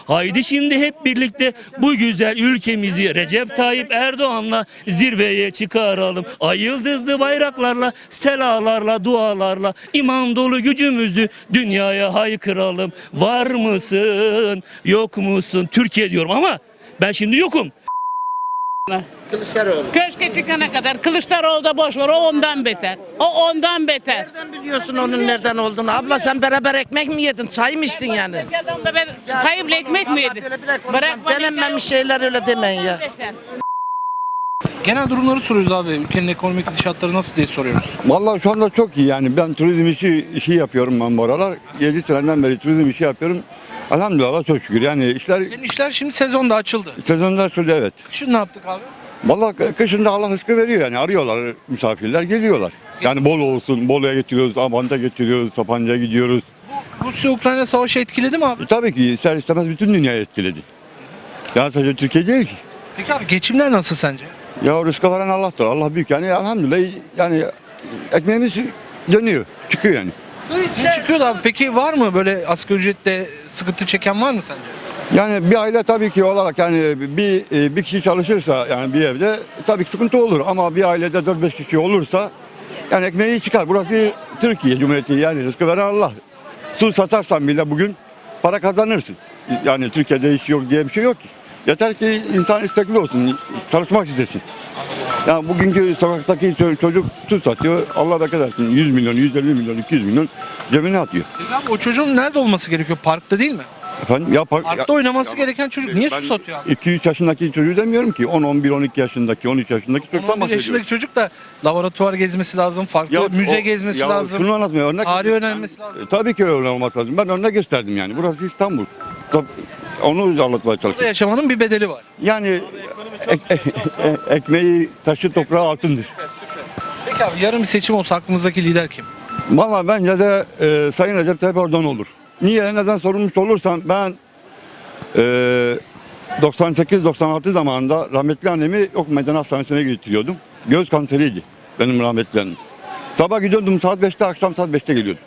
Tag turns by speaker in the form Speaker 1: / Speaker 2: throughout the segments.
Speaker 1: Haydi şimdi hep birlikte bu güzel ülkemizi Recep Tayyip Erdoğan'la zirveye çıkaralım. Ay yıldızlı bayraklarla, selalarla, dualarla iman dolu gücümüzü dünyaya haykıralım. Var mısın, yok musun? Türkiye diyorum ama ben şimdi yokum.
Speaker 2: Kılıçdaroğlu.
Speaker 3: Köşke çıkana kadar Kılıçdaroğlu da boş ver, o ondan beter. O ondan beter.
Speaker 2: Nereden biliyorsun onun nereden olduğunu? Abla sen beraber ekmek mi yedin? Çay mı içtin yani?
Speaker 3: Adam da ben Tayyip'le ekmek mi yedi?
Speaker 2: Bırakma. Denenmemiş şeyler öyle demeyin ya.
Speaker 4: Genel durumları soruyoruz abi. Ülkenin ekonomik gidişatları nasıl diye soruyoruz.
Speaker 5: Vallahi şu anda çok iyi yani. Ben turizm işi yapıyorum ben bu aralar. 7 seneden beri turizm işi yapıyorum. Elhamdülillah çok şükür. Yani işler
Speaker 4: Senin işler şimdi sezonda açıldı.
Speaker 5: sezonlar sürdü evet.
Speaker 4: Kışın ne yaptık abi?
Speaker 5: Vallahi kışında Allah rızkı veriyor yani. Arıyorlar misafirler geliyorlar. Yani Bolu olsun. Bolu'ya getiriyoruz, Abant'a getiriyoruz, Sapanca'ya gidiyoruz.
Speaker 4: Rusya-Ukrayna savaşı etkiledi mi abi?
Speaker 5: Tabii ki ister istemez bütün dünyayı etkiledi. Yani sadece Türkiye değil ki.
Speaker 4: Peki abi geçimler nasıl sence?
Speaker 5: Ya rızkı veren Allah'tır. Allah büyük yani elhamdülillah yani ekmeğimiz dönüyor. Çıkıyor yani.
Speaker 4: Sizin çıkıyor da abi. Peki var mı böyle asgari ücretle sıkıntı çeken var mı sence?
Speaker 5: Yani bir aile tabii ki olarak yani bir kişi çalışırsa yani bir evde tabii ki sıkıntı olur ama bir ailede 4-5 kişi olursa yani ekmeği çıkar. Burası Türkiye Cumhuriyeti yani rızkı veren Allah. Su satarsan bile bugün para kazanırsın. Yani Türkiye'de iş yok diye bir şey yok ki. Yeter ki insan istekli olsun, çalışmak istesin. Yani bugünkü sokaktaki çocuk su satıyor, Allah bereket versin. 100 milyon, 150 milyon, 200 milyon cebine atıyor.
Speaker 4: Peki abi o çocuğun nerede olması gerekiyor? Parkta değil mi?
Speaker 5: Efendim, ya
Speaker 4: Parkta oynaması gereken çocuk niye su satıyor abi?
Speaker 5: 2-3 yaşındaki çocuğu demiyorum ki. 10, 11, 12 yaşındaki, 13 yaşındaki çocuktan
Speaker 4: 11
Speaker 5: bahsediyorum.
Speaker 4: yaşındaki çocuk da laboratuvar gezmesi lazım, farklı müze gezmesi lazım.
Speaker 5: Şunu anlatmıyor.
Speaker 4: Tarih öğrenmesi lazım.
Speaker 5: Tabii ki öyle olması lazım. Ben örnek gösterdim yani. Burası İstanbul. Onu anlatmaya
Speaker 4: Burada
Speaker 5: çalışıyorum.
Speaker 4: yaşamanın bir bedeli var.
Speaker 5: Yani ekmeği taşı toprağı altındır.
Speaker 4: Peki abi yarın bir seçim olsa aklınızdaki lider kim?
Speaker 5: Vallahi bence de Sayın Recep Tayyip Erdoğan olur. Niye? Neden sorulmuş olursan ben 98-96 zamanında rahmetli annemi Ok Meydan Hastanesi'ne götürüyordum. Göz kanseriydi benim rahmetli annem. Sabah gidiyordum saat 5'te, akşam saat 5'te geliyordum.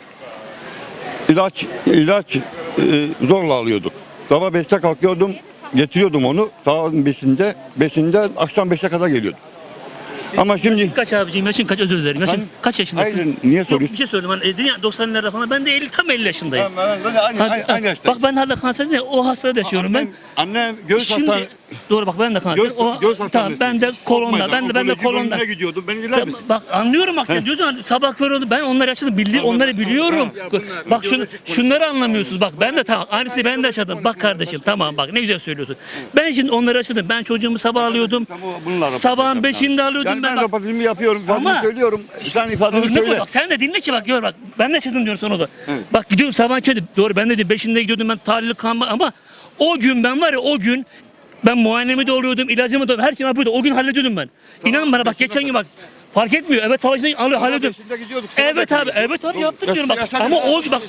Speaker 5: İlaç zorla alıyorduk. Sabah 5'te kalkıyordum, getiriyordum onu. Saat 5'inde akşam 5'e kadar geliyordum. Ama şimdi
Speaker 1: Kaç abiciğim, yaşın kaç, özür dilerim. Yaşın kaç yaşındasın?
Speaker 5: hayır, niye
Speaker 1: Yok,
Speaker 5: soruyorsun?
Speaker 1: bir şey söyledim. Hani dedin ya 90'larda falan, ben de 50, tam 50 yaşındayım.
Speaker 5: Aynı yaşta.
Speaker 1: Bak ben hala kanser değil, o hastada yaşıyorum ben.
Speaker 5: Annem göğüs
Speaker 1: Şimdi
Speaker 5: hastanesi.
Speaker 1: doğru, bak ben de kanser. Tamam, ben de kolonda. Ben de kolonda.
Speaker 5: Gidiyordum. Beni dinler misin?
Speaker 1: Bak anlıyorum, bak sen diyorsun sabah kör oldu. Ben onları yaşadım. Onları biliyorum. Bak şunları anlamıyorsunuz. Bak ben de tamam. Aynısını ben de yaşadım. Bak kardeşim, tamam, bak ne güzel söylüyorsun. Ben şimdi onları yaşadım. Ben çocuğumu sabah alıyordum. Sabahın 5'inde alıyordum
Speaker 5: Yani
Speaker 1: ben.
Speaker 5: ben röportajımı yapıyorum.
Speaker 1: Ama-
Speaker 5: Ama söylüyorum. Sen ifadeni
Speaker 1: Örnek ol,
Speaker 5: söyle.
Speaker 1: bak sen de dinle ki, bak gör bak. Ben de yaşadım diyorum sana da.
Speaker 5: Evet.
Speaker 1: Bak gidiyorum sabah köyde. Doğru, ben de 5'inde gidiyordum ben, tahlil kan, ama o gün ben var ya, o gün ben muayenemi de oluyordum, ilacımı da, her şeyi yapıyordum. O gün hallediyordum ben. İnan bana, bak geçen gün bak. Fark etmiyor. Evet, savaşta hallediyorum. Evet abi yaptım diyorum bak. Ama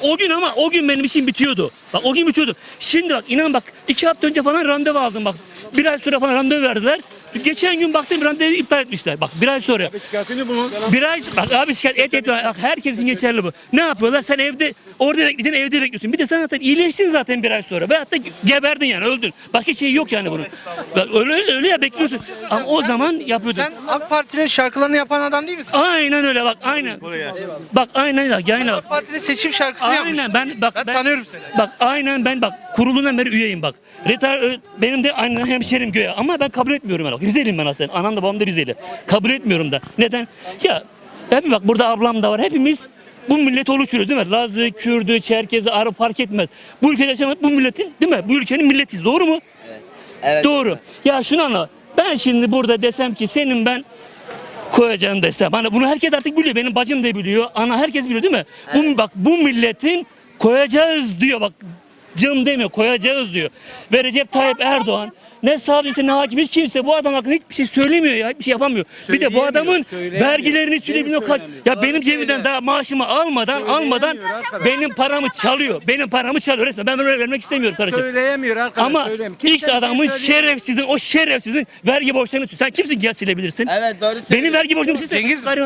Speaker 1: o gün benim işim bitiyordu. Bak o gün bitiyordu. Şimdi bak inan bak, 2 hafta önce falan randevu aldım bak. 1 ay sonra falan randevu verdiler. Geçen gün baktım randevu iptal etmişler. Bak 1 ay sonra. Bir ay bak abi, şikayet et. Bak herkesin geçerli bu. Ne yapıyorlar? Sen orada bekleyeceksin, evde bekliyorsun. Bir de sen zaten iyileştin zaten 1 ay sonra. Veyahut da geberdin yani, öldün. Başka şey yok yani bunun. Bak, öyle ya, bekliyorsun. Ama o zaman yapıyordun.
Speaker 4: Sen AK Parti'nin şarkılarını yapan adam değil misin?
Speaker 1: Aynen öyle bak, aynen. Bak aynen bak, yani bak.
Speaker 4: AK Parti'nin seçim şarkısını yapmış.
Speaker 1: Aynen ben
Speaker 4: tanıyorum seni.
Speaker 1: Bak aynen ben bak kurulundan beri üyeyim bak. Benim de aynen hemşerim göğe, ama ben kabul etmiyorum ben. Bak, Rizeliyim ben aslında. Anam da babam da Rizeli. Kabul etmiyorum da. Neden? Ya hep bak, burada ablam da var. Hepimiz bu milleti oluşturuyoruz değil mi? Lazı, Kürdü, Çerkezi, Arap fark etmez. Bu ülkede yaşamak bu milletin değil mi? Bu ülkenin milletiyiz. Doğru mu?
Speaker 6: Evet.
Speaker 1: Doğru. Ya şunu anla. Ben şimdi burada desem ki senin ben koyacağım desem. Hani bunu herkes artık biliyor. Benim bacım da biliyor. Ana, herkes biliyor değil mi?
Speaker 6: Evet.
Speaker 1: Bu milletin koyacağız diyor bak. Cım demiyor, koyacağız diyor. Ve Recep Tayyip Erdoğan ne savcısı ne hakim, hiç kimse bu adam hakkında hiçbir şey söylemiyor ya. Hiçbir şey yapamıyor. Bir de bu adamın vergilerini sülüyor. Ya benim cebimden daha maaşımı almadan benim paramı çalıyor. Benim paramı çalıyor resmen. Ben böyle vermek istemiyorum kardeşim.
Speaker 6: Söyleyemiyor arkadaş.
Speaker 1: Ama X adamın şerefsizin vergi borçlarını, sen kimsin ki ya silebilirsin?
Speaker 6: Evet, doğru
Speaker 1: Benim vergi borcumu siz
Speaker 4: Cengiz mi?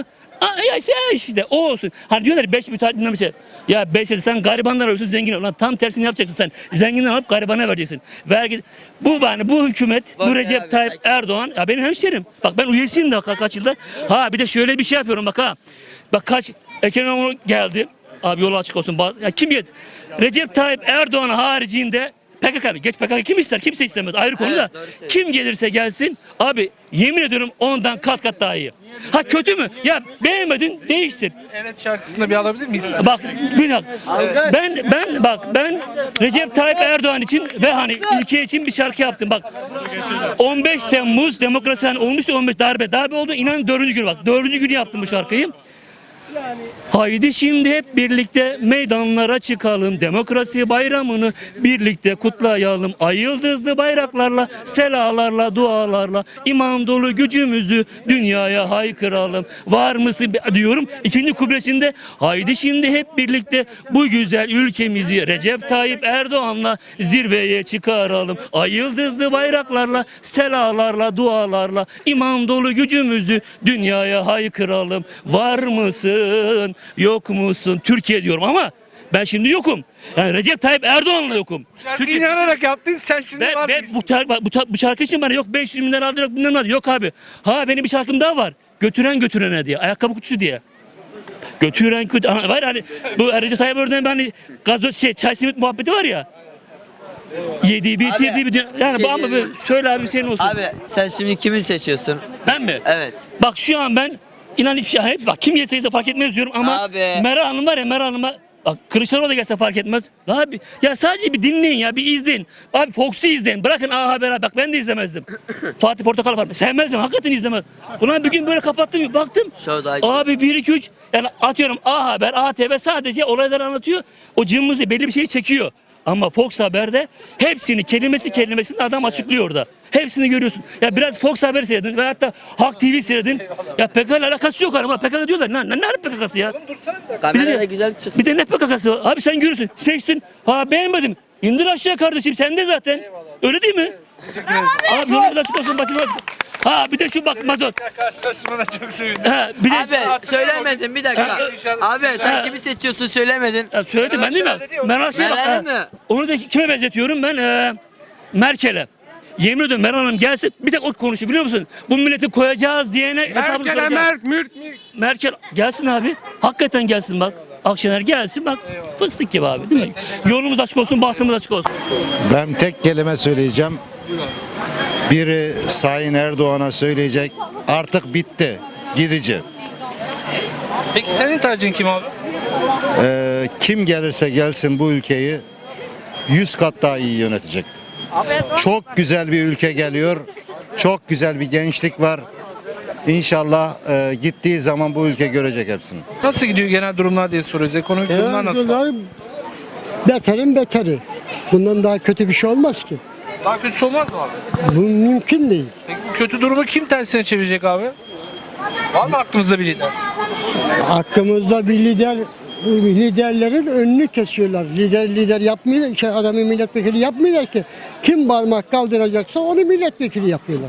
Speaker 1: Ya işte o olsun. Hani diyorlar 5 müteahhitinden bir şey. Ya 5 sen garibanlar arıyorsun zengin ol. Lan tam tersini yapacaksın sen. Zenginden alıp garibana vereceksin. Vergi bu hükümet, bu Recep Tayyip Erdoğan ya benim hemşerim. Bak ben üyesiyim de kaç yıldır. Ha bir de şöyle bir şey yapıyorum bak ha. Bak Ekrem İmamoğlu geldi. Abi yolu açık olsun. Ya kim yet? Recep Tayyip Erdoğan haricinde PKK geç PKK kim ister? Kimse istemez. Ayrı konu da. Kim gelirse gelsin abi yemin ediyorum ondan kat daha iyi. Ha kötü mü? Ya beğenmedin değiştir.
Speaker 4: Evet şarkısını bir alabilir miyiz?
Speaker 1: Bak bir dakika. Ben Recep Tayyip Erdoğan için ve hani ülke için bir şarkı yaptım. Bak 15 Temmuz demokrasi hani olmuştu 15 darbe oldu. İnan 4. gün bak. 4. günü yaptım bu şarkıyı. Haydi şimdi hep birlikte meydanlara çıkalım. Demokrasi bayramını birlikte kutlayalım. Ay yıldızlı bayraklarla, selalarla, dualarla iman dolu gücümüzü dünyaya haykıralım. Var mısın diyorum. 2. kubresinde haydi şimdi hep birlikte bu güzel ülkemizi Recep Tayyip Erdoğan'la zirveye çıkaralım. Ay yıldızlı bayraklarla, selalarla, dualarla iman dolu gücümüzü dünyaya haykıralım. Var mısın? Yok musun? Türkiye diyorum ama ben şimdi yokum. Yani Recep Tayyip Erdoğan'la yokum.
Speaker 4: Şarkıyı inanarak yaptın sen şimdi
Speaker 1: Bu şarkı için bana yok 500 bin lira aldı yok bilmem ne yok abi. Ha benim bir şarkım daha var. Götürene diye. Ayakkabı kutusu diye. Götüren kutu. Var hani bu Recep Tayyip Erdoğan'ın hani gazoz çay simit muhabbeti var ya. Yedi bitirdi bir yani bu ama söyle abi senin olsun.
Speaker 6: Abi sen şimdi kimi seçiyorsun?
Speaker 1: Ben mi?
Speaker 6: Evet.
Speaker 1: Bak şu an ben inan hiçbir şey hep bak kim gelse fark etmez diyorum ama
Speaker 6: Abi.
Speaker 1: Meral Hanım var ya Meral Hanım'a bak Kılıçdaroğlu da gelse fark etmez. Abi ya sadece bir dinleyin ya bir izleyin. Abi Fox'u izleyin. Bırakın A Haber bak ben de izlemezdim. Fatih Portakal var. Sevmezdim. Hakikaten izlemez. Ulan bir gün böyle kapattım baktım. Abi 1 2 3 yani atıyorum A Haber, ATV sadece olayları anlatıyor. O cımbızı belli bir şeyi çekiyor. Ama Fox Haber'de hepsini kelimesini adam açıklıyor orada. Hepsini görüyorsun. Ya biraz Fox Haber seyredin ve hatta Halk TV seyredin. Ya PKK ile alakası yok ama PKK diyorlar. Ne PKK'sı ya?
Speaker 6: Kamerada güzel çıksın.
Speaker 1: Bir de ne PKK'sı? Abi sen görürsün. Seçtin. Ha beğenmedim. İndir aşağı kardeşim. Sen de zaten. Öyle değil mi? Abi yolumuz açık olsun. Başımız açık. Ha bir de şu bak mazot.
Speaker 4: Karşılaşmana çok sevindim.
Speaker 1: Ha bir de
Speaker 6: Abi söylemedin bir dakika. Abi sen kimi seçiyorsun söylemedin.
Speaker 1: söyledim ben değil mi? Meral
Speaker 6: Meral'e mi?
Speaker 1: Onu da kime benzetiyorum ben? Merkel'e. Yemin ediyorum Meral Hanım gelsin bir tek o konuşuyor biliyor musun? Bu milleti koyacağız diyene hesabını soracağız. Merkel gelsin abi. Hakikaten gelsin bak. Akşener gelsin bak. Fıstık gibi abi değil mi? Yolumuz açık olsun, bahtımız açık olsun.
Speaker 7: Ben tek kelime söyleyeceğim. Biri Sayın Erdoğan'a söyleyecek. Artık bitti. Gidici.
Speaker 4: Peki senin tercihin kim abi?
Speaker 7: Kim gelirse gelsin bu ülkeyi 100 kat daha iyi yönetecek. Çok güzel bir ülke geliyor. Çok güzel bir gençlik var. İnşallah gittiği zaman bu ülke görecek hepsini.
Speaker 4: Nasıl gidiyor genel durumlar diye soruyoruz. Ekonomik durumlar nasıl?
Speaker 8: Beterin beteri. Bundan daha kötü bir şey olmaz ki.
Speaker 4: Daha kötüsü olmaz mı abi?
Speaker 8: Bu mümkün değil.
Speaker 4: Peki bu kötü durumu kim tersine çevirecek abi? Var mı aklımızda bir lider?
Speaker 8: Hakkımızda bir liderlerin önünü kesiyorlar. Lider yapmıyorlar. Adamı milletvekili yapmıyorlar ki. Kim parmak kaldıracaksa onu milletvekili yapıyorlar.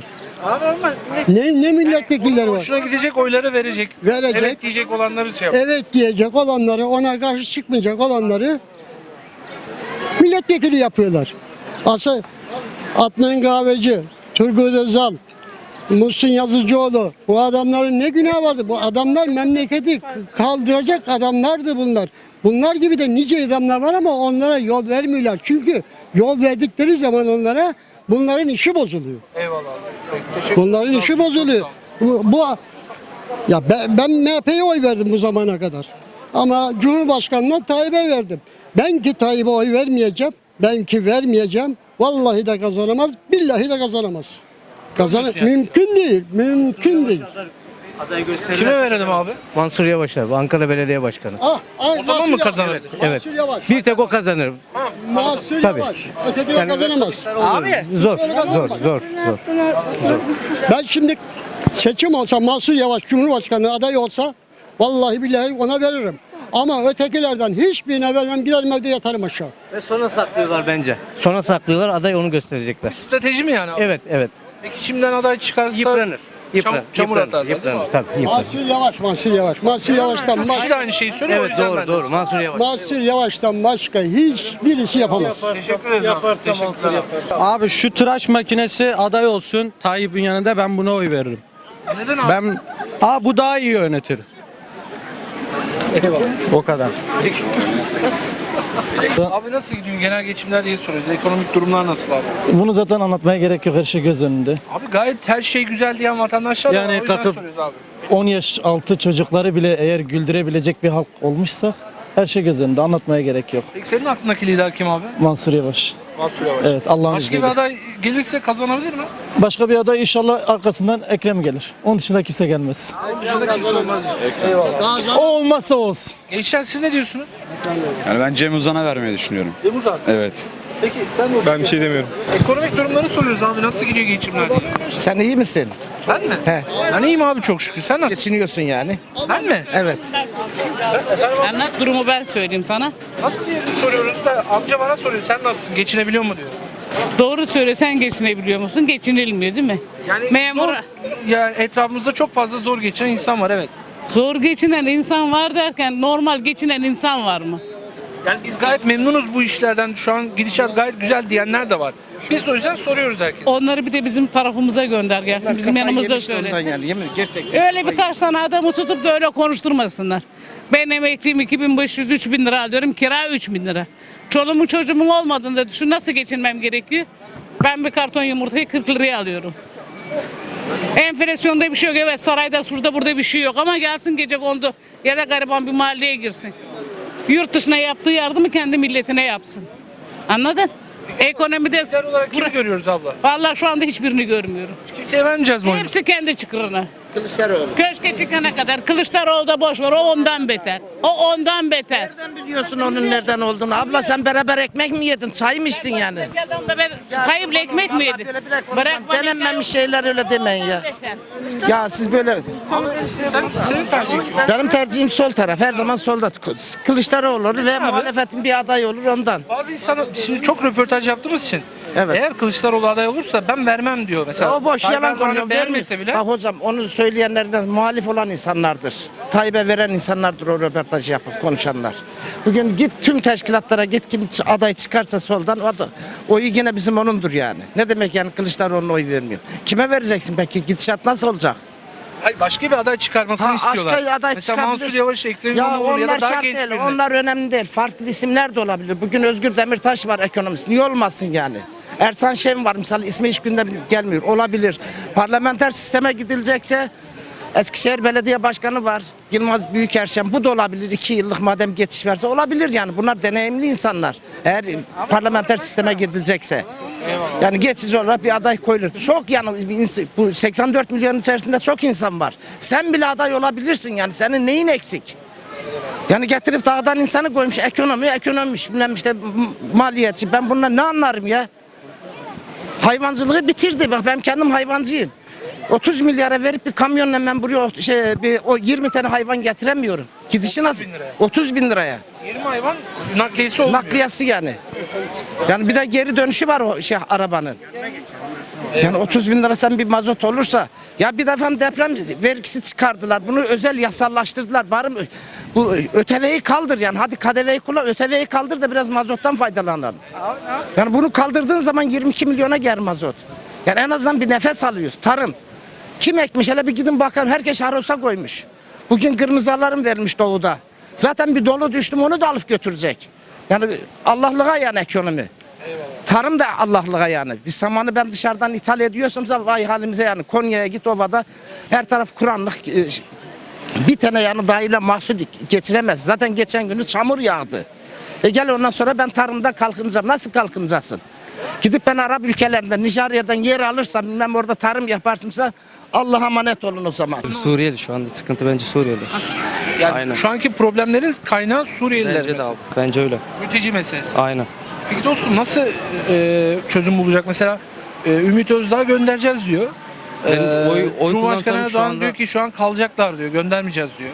Speaker 8: Ne milletvekilleri var?
Speaker 4: Hoşuna gidecek oyları verecek. Evet diyecek olanları şey yapıyor.
Speaker 8: Evet diyecek olanları, ona karşı çıkmayacak olanları milletvekili yapıyorlar. Adnan Kahveci, Turgut Özal, Muhsin Yazıcıoğlu, bu adamların ne günahı vardı? Bu adamlar memleketi kaldıracak adamlardı bunlar. Bunlar gibi de nice adamlar var ama onlara yol vermiyorlar. Çünkü yol verdikleri zaman onlara bunların işi bozuluyor.
Speaker 4: Eyvallah. Teşekkür
Speaker 8: Bunların işi bozuluyor. Ben MHP'ye oy verdim bu zamana kadar. Ama Cumhurbaşkanı'na Tayyip'e verdim. Ben ki Tayyip'e oy vermeyeceğim. Ben ki vermeyeceğim. Vallahi de kazanamaz, billahi de kazanamaz. Mümkün değil, mümkün değil.
Speaker 4: Kime verelim abi?
Speaker 9: Mansur Yavaş abi, Ankara Belediye Başkanı.
Speaker 4: O zaman mı kazanır?
Speaker 9: Evet. Bir tek o kazanır.
Speaker 8: Mansur
Speaker 9: Tabii.
Speaker 8: Yavaş. Ötekiler kazanamaz.
Speaker 9: Zor.
Speaker 8: Ben şimdi seçim olsa Mansur Yavaş Cumhurbaşkanı adayı olsa vallahi billahi ona veririm. Ama ötekilerden hiçbirine vermem, giderim evde yatarım aşağı.
Speaker 9: Ve sona saklıyorlar bence. Sona saklıyorlar, aday onu gösterecekler.
Speaker 4: Strateji mi yani abi?
Speaker 9: Evet.
Speaker 4: Peki şimdiden aday çıkarsa
Speaker 9: Yıpranır.
Speaker 4: Çamur atarlar, değil mi?
Speaker 9: Yıpranır tabii yıpranır.
Speaker 8: Mansur Yavaş'tan
Speaker 4: Kişi de aynı şeyi söylüyor. o
Speaker 9: Evet
Speaker 4: yüzden
Speaker 9: doğru
Speaker 4: ben de-
Speaker 9: doğru Mansur Yavaş.
Speaker 8: Mansur Yavaş'tan başka hiçbirisi yapamaz.
Speaker 4: Teşekkür ederim. Teşekkürler.
Speaker 10: Abi şu tıraş makinesi aday olsun Tayyip'in yanında, ben buna oy veririm.
Speaker 4: Neden abi?
Speaker 10: Bu daha iyi yönetir. O kadar.
Speaker 4: Abi nasıl gidiyor genel geçimler diye soruyoruz. Ekonomik durumlar nasıl abi?
Speaker 10: Bunu zaten anlatmaya gerek yok, her şey göz önünde.
Speaker 4: Abi gayet her şey güzel diyen vatandaşlar da var.
Speaker 10: Yani
Speaker 4: O yüzden
Speaker 10: kalkıp-
Speaker 4: soruyoruz abi.
Speaker 10: 10 yaş altı çocukları bile eğer güldürebilecek bir halk olmuşsa her şey göz önünde, anlatmaya gerek yok.
Speaker 4: Peki senin aklındaki lider kim abi?
Speaker 10: Mansur Yavaş.
Speaker 4: Mansur Yavaş.
Speaker 10: Evet, Allah'ın
Speaker 4: Başka bir
Speaker 10: izniyle.
Speaker 4: aday gelirse kazanabilir mi?
Speaker 10: Başka bir aday inşallah arkasından Ekrem gelir. Onun dışında kimse gelmez. O olmazsa olsun.
Speaker 4: Gençler siz ne diyorsunuz?
Speaker 11: Yani ben Cem Uzan'a vermeyi düşünüyorum.
Speaker 4: Yavuz abi.
Speaker 11: Evet.
Speaker 4: Peki sen ne
Speaker 11: Ben bir şey demiyorum.
Speaker 4: Ekonomik durumları soruyoruz abi. Nasıl gidiyor geçimler diye.
Speaker 2: Sen iyi misin?
Speaker 4: Ben mi?
Speaker 2: He.
Speaker 4: Ben iyiyim abi çok şükür. Sen nasılsın?
Speaker 2: Geçiniyorsun yani.
Speaker 4: Ben mi?
Speaker 2: Evet.
Speaker 3: Anlat durumu ben söyleyeyim sana.
Speaker 4: Nasıl diye soruyoruz da amca bana soruyor. Sen nasılsın? Geçinebiliyor mu diyor.
Speaker 3: Doğru söyle, sen geçinebiliyor musun? Geçinilmiyor değil mi?
Speaker 4: Yani
Speaker 3: Memur.
Speaker 4: yani etrafımızda çok fazla zor geçinen insan var evet.
Speaker 3: Zor geçinen insan var derken normal geçinen insan var mı?
Speaker 4: Yani biz gayet memnunuz bu işlerden. Şu an gidişat gayet güzel diyenler de var. Biz de o yüzden soruyoruz herkese.
Speaker 3: Onları bir de bizim tarafımıza gönder gelsin. Bizim yanımızda söylesin.
Speaker 2: Yani, yemin gerçekten.
Speaker 3: Öyle birkaç tane adamı tutup da öyle konuşturmasınlar. Ben emekliyim, 2500-3000 lira alıyorum, kira 3000 lira. Çoluğumun çocuğumun olmadığında düşün, nasıl geçinmem gerekiyor? Ben bir karton yumurtayı 40 liraya alıyorum. Enflasyonda bir şey yok, evet, sarayda şurada burada bir şey yok ama gelsin gece kondu ya da gariban bir mahalleye girsin. Yurt dışına yaptığı yardımı kendi milletine yapsın. Anladın? Ekonomide
Speaker 4: Lider olarak kimi görüyoruz abla?
Speaker 3: vallahi şu anda hiçbirini görmüyorum.
Speaker 4: Kimseye vermeyeceğiz mi oyunu?
Speaker 3: Hepsi kendi çıkırına.
Speaker 2: Kılıçdaroğlu.
Speaker 3: Köşke çıkana kadar Kılıçdaroğlu da boş ver, o ondan beter. O ondan beter.
Speaker 2: Nereden biliyorsun onun nereden olduğunu? Abla sen beraber ekmek mi yedin? Çay mı içtin yani?
Speaker 3: Adam da ben Tayyip'le ekmek mi yedi?
Speaker 2: Bırakma. Denenmemiş şeyler öyle demeyin ya. Ya siz böyle...
Speaker 4: Senin tercihin kim?
Speaker 2: Benim tercihim sol taraf. Her zaman solda. Kılıçdaroğlu olur ve muhalefetin bir aday olur ondan.
Speaker 4: Bazı insanlar şimdi çok röportaj yaptığımız için
Speaker 2: Evet.
Speaker 4: eğer Kılıçdaroğlu aday olursa ben vermem diyor mesela.
Speaker 2: O boş
Speaker 4: Tayyip
Speaker 2: yalan
Speaker 4: Erdoğan'ı
Speaker 2: konuşuyor.
Speaker 4: beğenmese bile.
Speaker 2: Bak hocam onu söyleyenlerden muhalif olan insanlardır. Tayyip'e veren insanlardır o röportajı yapıp konuşanlar. Bugün git tüm teşkilatlara git, kim aday çıkarsa soldan oyu yine bizim onundur yani. Ne demek yani Kılıçdaroğlu'na oy vermiyor? Kime vereceksin peki? Gidişat nasıl olacak?
Speaker 4: Hayır, başka bir aday çıkarmasını istiyorlar.
Speaker 2: Başka aday
Speaker 4: Mesela
Speaker 2: çıkabilir.
Speaker 4: Mansur Yavaş, Ekrem
Speaker 2: Ya
Speaker 4: İmamoğlu ya
Speaker 2: onlar
Speaker 4: da daha
Speaker 2: şart
Speaker 4: genç
Speaker 2: değil.
Speaker 4: birini.
Speaker 2: Onlar önemli değil. Farklı isimler de olabilir. Bugün Özgür Demirtaş var ekonomist. Niye olmasın yani? Ersan Şen var misal, ismi hiç gündem gelmiyor. Olabilir. Parlamenter sisteme gidilecekse Eskişehir Belediye Başkanı var. Yılmaz Büyükerşen. Bu da olabilir. 2 yıllık madem geçiş verse olabilir yani. Bunlar deneyimli insanlar. Eğer parlamenter sisteme gidilecekse. Yani geçici olarak bir aday koyulur. Çok yani bu 84 milyon içerisinde çok insan var. Sen bile aday olabilirsin yani. Senin neyin eksik? Yani getirip dağdan insanı koymuş, ekonommiş, bilmem işte maliyetçi. Ben bundan ne anlarım ya? Hayvancılığı bitirdi. Bak ben kendim hayvancıyım. 30 milyara verip bir kamyonla ben buraya o 20 tane hayvan getiremiyorum. Gidişi nasıl? 30 bin liraya.
Speaker 4: 20 hayvan nakliyesi olmuyor.
Speaker 2: Nakliyesi yani. Yani bir de geri dönüşü var o arabanın. Yani 30 bin lira sen bir mazot olursa, ya bir defa deprem vergisi çıkardılar, bunu özel yasallaştırdılar. Bari bu ÖTV'yi kaldır yani, hadi KDV'yi kullan, ÖTV'yi kaldır da biraz mazottan faydalanalım. Yani bunu kaldırdığın zaman 22 milyona gelir mazot. Yani en azından bir nefes alıyoruz. Tarım. Kim ekmiş? Hele bir gidin bakın, herkes harosa koymuş. Bugün kırmızı alarm verilmiş doğuda. Zaten bir dolu düştüm, onu da alıp götürecek. Yani Allah'lığa yani ekonomi. Tarım da Allah'lığa yani. Bir samanı ben dışarıdan ithal ediyorsam vay halimize yani. Konya'ya git, ovada her taraf kuranlık. Bir tane yani dahile mahsul geçiremez. Zaten geçen günü çamur yağdı. Gel ondan sonra ben tarımda kalkınacağım. Nasıl kalkınacaksın? Gidip ben Arap ülkelerinden, Nijerya'dan yer alırsam, bilmem orada tarım yaparsımsa Allah'a emanet olun o zaman.
Speaker 9: Suriyeli şu anda sıkıntı bence Suriyeli.
Speaker 4: Yani
Speaker 9: Aynen.
Speaker 4: şu anki problemlerin kaynağı Suriyeliler
Speaker 9: Bence de
Speaker 4: mesela.
Speaker 9: abi. Bence öyle.
Speaker 4: Mülteci meselesi.
Speaker 9: Aynen.
Speaker 4: Peki dostum nasıl çözüm bulacak? Mesela Ümit Özdağ göndereceğiz diyor.
Speaker 9: Oy
Speaker 4: Cumhurbaşkanı
Speaker 9: kullansam şu
Speaker 4: Erdoğan
Speaker 9: anda-
Speaker 4: diyor ki şu an kalacaklar diyor. Göndermeyeceğiz diyor.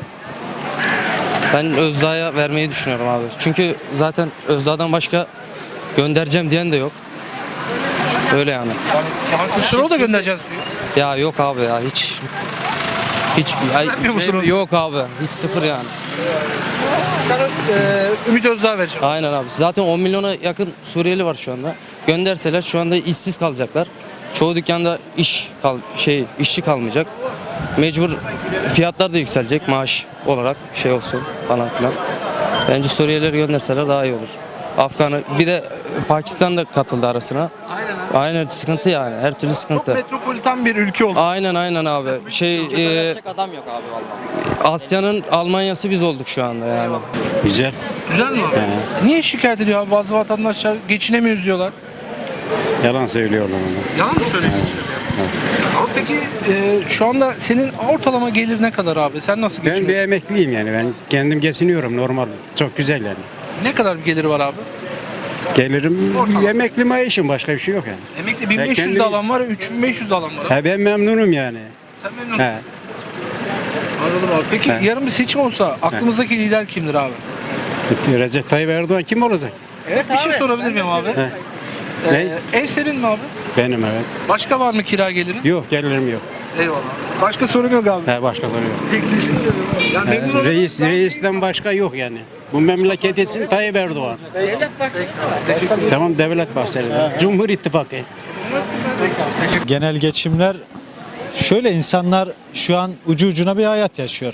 Speaker 9: Ben Özdağ'a vermeyi düşünüyorum abi. Çünkü zaten Özdağ'dan başka göndereceğim diyen de yok. Öyle yani.
Speaker 4: Yani Kemal Kılıçdaroğlu da göndereceğiz diyor.
Speaker 9: Ya yok abi ya hiç
Speaker 4: Vermiyor musunuz?
Speaker 9: yok abi. Hiç sıfır yani.
Speaker 4: Sana Ümit Özdağ vereceğim.
Speaker 9: Aynen abi. Zaten 10 milyona yakın Suriyeli var şu anda. Gönderseler şu anda işsiz kalacaklar. Çoğu dükkanda işçi kalmayacak. Mecbur fiyatlar da yükselecek maaş olarak olsun falan filan. Bence Suriyelileri gönderseler daha iyi olur. Afgan'ı bir de Pakistan da katıldı arasına. Aynen sıkıntı yani. Her türlü
Speaker 4: Çok
Speaker 9: sıkıntı.
Speaker 4: metropolitan bir ülke oldu.
Speaker 9: Aynen abi.
Speaker 6: adam yok abi vallahi.
Speaker 9: Asya'nın Almanya'sı biz olduk şu anda yani.
Speaker 11: Güzel.
Speaker 4: Güzel mi abi? Niye şikayet ediyor abi? Bazı vatandaşlar geçinemiyoruz diyorlar.
Speaker 11: Yalan söylüyorlar onu.
Speaker 4: Yalan mı söylüyorsun? Ama peki şu anda senin ortalama gelir ne kadar abi? Sen nasıl
Speaker 11: Ben bir
Speaker 4: geçiniyorsun?
Speaker 11: emekliyim yani. Ben kendim geçiniyorum normal. Çok güzel yani.
Speaker 4: Ne kadar bir geliri var abi?
Speaker 11: Gelirim
Speaker 4: Ortalama.
Speaker 11: emekli maaşım başka bir şey yok yani.
Speaker 4: Emekli 1500 de
Speaker 11: kendim-
Speaker 4: alan var, 3500 de alan var. Abi.
Speaker 11: Ha, ben memnunum yani.
Speaker 4: Sen memnunsun.
Speaker 11: He.
Speaker 4: Anladım abi. Peki
Speaker 11: He.
Speaker 4: yarın bir seçim olsa aklımızdaki lider kimdir abi?
Speaker 11: Recep Tayyip Erdoğan kim olacak?
Speaker 4: Evet bir şey sorabilir miyim abi?
Speaker 11: He. Ne?
Speaker 4: Ev senin mi abi?
Speaker 11: Benim evet.
Speaker 4: Başka var mı kira gelirin?
Speaker 11: Yok gelirim yok.
Speaker 4: Eyvallah. Başka sorun yok abi.
Speaker 11: He, başka soru yok.
Speaker 4: Peki teşekkür ederim. Ya memnun oldum.
Speaker 11: Reisten başka yok yani. Bu memleket için Tayyip Erdoğan. Tamam devlet bahsedelim. Cumhur İttifakı.
Speaker 10: Genel geçimler şöyle, insanlar şu an ucu ucuna bir hayat yaşıyor.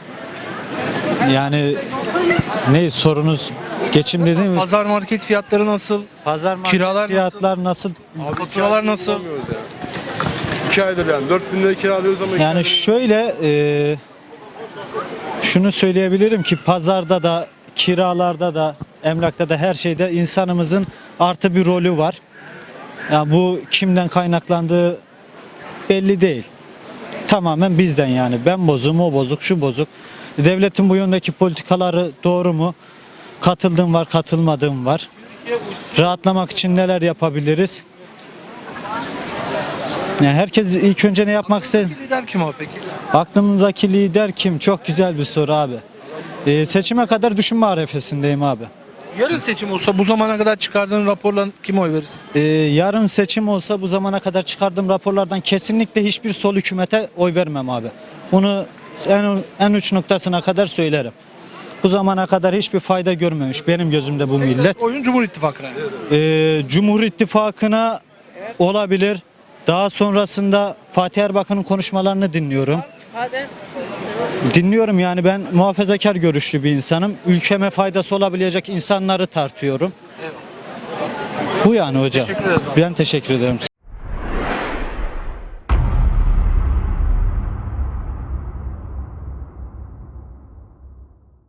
Speaker 10: Yani ne sorunuz, geçim dediğim mi?
Speaker 4: Pazar market fiyatları nasıl?
Speaker 10: Pazar market
Speaker 4: kiralar
Speaker 10: fiyatlar nasıl?
Speaker 4: Faturalar nasıl?
Speaker 5: 2 aydır yani 4000 lira kiralıyoruz ama
Speaker 10: Yani şöyle şunu söyleyebilirim ki pazarda da, kiralarda da, emlakta da, her şeyde insanımızın artı bir rolü var. Yani bu kimden kaynaklandığı belli değil. Tamamen bizden yani. Ben bozum, o bozuk, şu bozuk. Devletin bu yöndeki politikaları doğru mu? Katıldığım var, katılmadığım var. Rahatlamak için neler yapabiliriz? Yani herkes ilk önce ne yapmak ister?
Speaker 4: Lider kim abi peki?
Speaker 10: Aklımızdaki lider kim? Çok güzel bir soru abi. Seçime kadar düşünme arefesindeyim abi.
Speaker 4: Yarın seçim olsa bu zamana kadar çıkardığın raporla kime oy verirsin?
Speaker 10: Yarın seçim olsa bu zamana kadar çıkardığım raporlardan kesinlikle hiçbir sol hükümete oy vermem abi. Bunu en uç noktasına kadar söylerim. Bu zamana kadar hiçbir fayda görmemiş benim gözümde bu millet.
Speaker 4: Oyun Cumhur İttifakı'na.
Speaker 10: Cumhur İttifakı'na olabilir. Daha sonrasında Fatih Erbakan'ın konuşmalarını dinliyorum. Dinliyorum yani, ben muhafazakar görüşlü bir insanım. Ülkeme faydası olabilecek insanları tartıyorum. Bu yani hocam.
Speaker 4: Teşekkür ederiz abi.
Speaker 10: Ben teşekkür ederim.